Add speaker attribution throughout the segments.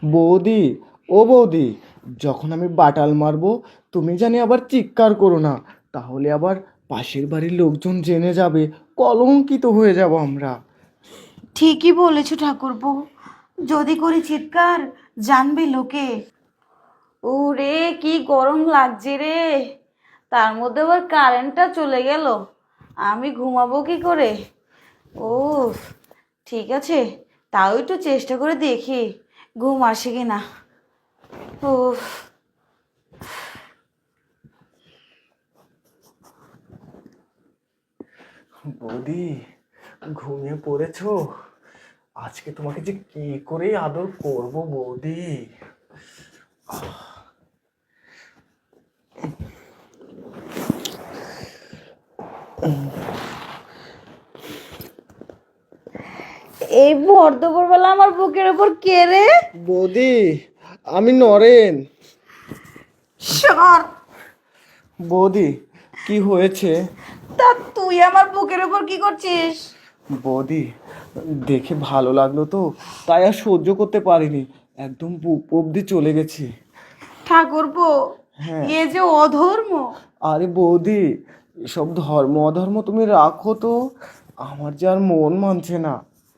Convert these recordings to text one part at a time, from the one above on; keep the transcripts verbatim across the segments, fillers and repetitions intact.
Speaker 1: বৌদি, ও বৌদি, যখন আমি বাটাল মারবো তুমি জানি আবার চিৎকার করো না, তাহলে আবার পাশের বাড়ির লোকজন জেনে যাবে, কলঙ্কিত হয়ে যাব আমরা।
Speaker 2: ঠিকই বলেছো ঠাকুরপো, যদি করি চিৎকার জানবে লোকে। ওরে কি গরম লাগছে রে, তার মধ্যে আবার কারেন্টটা চলে গেল, আমি ঘুমাবো কি করে? ও ঠিক আছে, তাও একটু চেষ্টা করে দেখি ঘুম আসে কিনা। ও
Speaker 1: বৌদি, ঘুমিয়ে পড়েছো? আজকে তোমাকে যে কি করে আদর করব বৌদি।
Speaker 2: এই ভর দুপুরবেলা আমার বুকের ওপর কে রে?
Speaker 1: বৌদি, আমি নরেন।
Speaker 2: সর।
Speaker 1: বৌদি, কি হয়েছে?
Speaker 2: তা তুই আমার বুকের ওপর কি করছিস?
Speaker 1: বৌদি, দেখে ভালো লাগলো তো, তাই আর সহ্য করতে পারিনি, একদম বুক অব্দি চলে গেছি।
Speaker 2: ঠাকুরপো,
Speaker 1: হ্যাঁ।
Speaker 2: এ যে অধর্ম।
Speaker 1: আরে বৌদি, এসব ধর্ম অধর্ম তুমি রাখো তো, আমার যে আর মন মানছে না।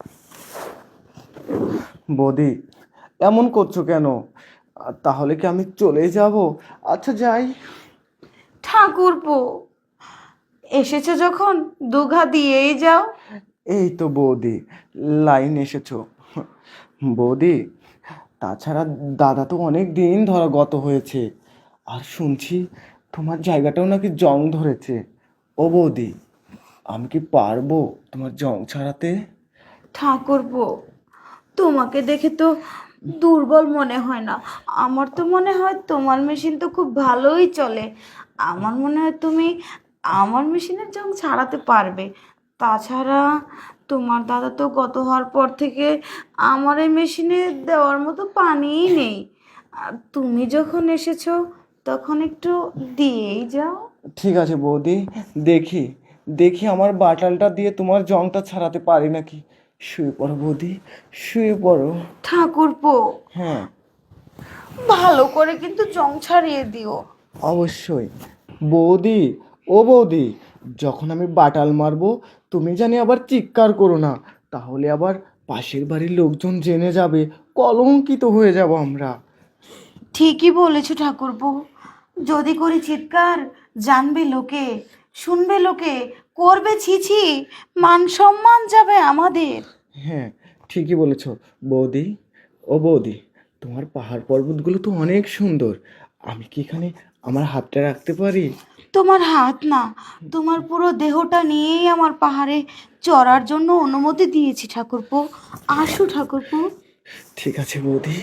Speaker 1: বৌদি, এমন করছো কেন? আর তাহলে কি আমি চলে যাব? আচ্ছা যাই।
Speaker 2: ঠাকুরপো, এসেছো যখন দুঘা দিয়েই যাও।
Speaker 1: এই তো বৌদি, লাইন এসেছো। বৌদি, তাছাড়া দাদা তো অনেক দিন ধরা গত হয়েছে, আর শুনছি তোমার জায়গাটাও নাকি জং ধরেছে। ও বৌদি, আমি কি পারবো তোমার জং ছাড়াতে?
Speaker 2: ঠাকুরপো, তোমাকে দেখে তো দুর্বল মনে হয় না, আমার তো মনে হয় তোমার মেশিন তো খুব ভালোই চলে। আমার মনে হয় তুমি আমার মেশিনের জং ছাড়াতে পারবে। তাছাড়া তোমার দাদা তো গত হওয়ার পর থেকে আমার এই মেশিনে দেওয়ার মতো পানিই নেই। আর তুমি যখন এসেছো তখন একটু দিয়েই যাও।
Speaker 1: ঠিক আছে বৌদি, দেখি দেখি আমার বাটালটা দিয়ে তোমার জংটা ছাড়াতে পারি নাকি। শুয়ে পড়ো বৌদি, শুয়ে পড়ো।
Speaker 2: ঠাকুরপো,
Speaker 1: হ্যাঁ,
Speaker 2: ভালো করে কিন্তু জং ছাড়িয়ে দিও।
Speaker 1: অবশ্যই। বৌদি, ও বৌদি, যখন আমি বাটাল মারবো তুমি জানি আবার চিৎকার করো না, তাহলে আবার পাশের বাড়ির লোকজন জেনে যাবে, কলঙ্কিত হয়ে যাব আমরা।
Speaker 2: ঠিকই বলেছো ঠাকুরপো, যদি করি চিৎকার জানবে লোকে, শুনবে লোকে, করবে ছিছি, মান সম্মান যাবে আমাদের।
Speaker 1: হ্যাঁ, ঠিকই বলেছ। বৌদি, ও বৌদি, তোমার পাহাড় পর্বতগুলো তো অনেক সুন্দর, আমি কি এখানে আমার হাতটা রাখতে পারি?
Speaker 2: তোমার হাত না, তোমার পুরো দেহটা নিয়েই আমার পাহাড়ে চড়ার জন্য অনুমতি দিয়েছি ঠাকুরপো। আসো ঠাকুরপো।
Speaker 1: ঠিক আছে বৌদি।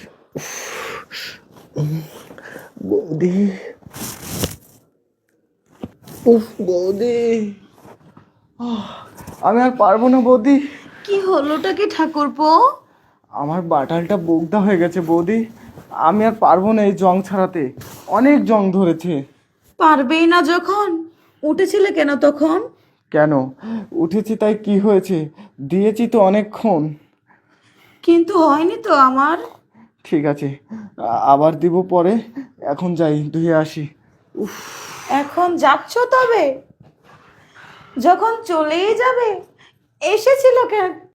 Speaker 1: বৌদি, উফ বৌদি, আহ, আমি আর পারবো না বৌদি।
Speaker 2: কি হলোটা কি ঠাকুরপো?
Speaker 1: আমার বাটালটা বোগদা হয়ে গেছে বৌদি, আমি আর পারবো না এই জং ছাড়াতে, অনেক জং ধরেছে।
Speaker 2: পারবেই না যখন উঠেছিলে কেন তখন?
Speaker 1: কেন উঠেছি তাই কি হয়েছে? দিয়েছি তো অনেকক্ষণ।
Speaker 2: কিন্তু হয়নি তো আমার।
Speaker 1: ঠিক আছে, আ- আবার দিব পরে, এখন যাই ধুয়ে আসি। উফ।
Speaker 2: এখন যাচ্ছ তবে? যখন চলেই যাবে, এসেছিল কেন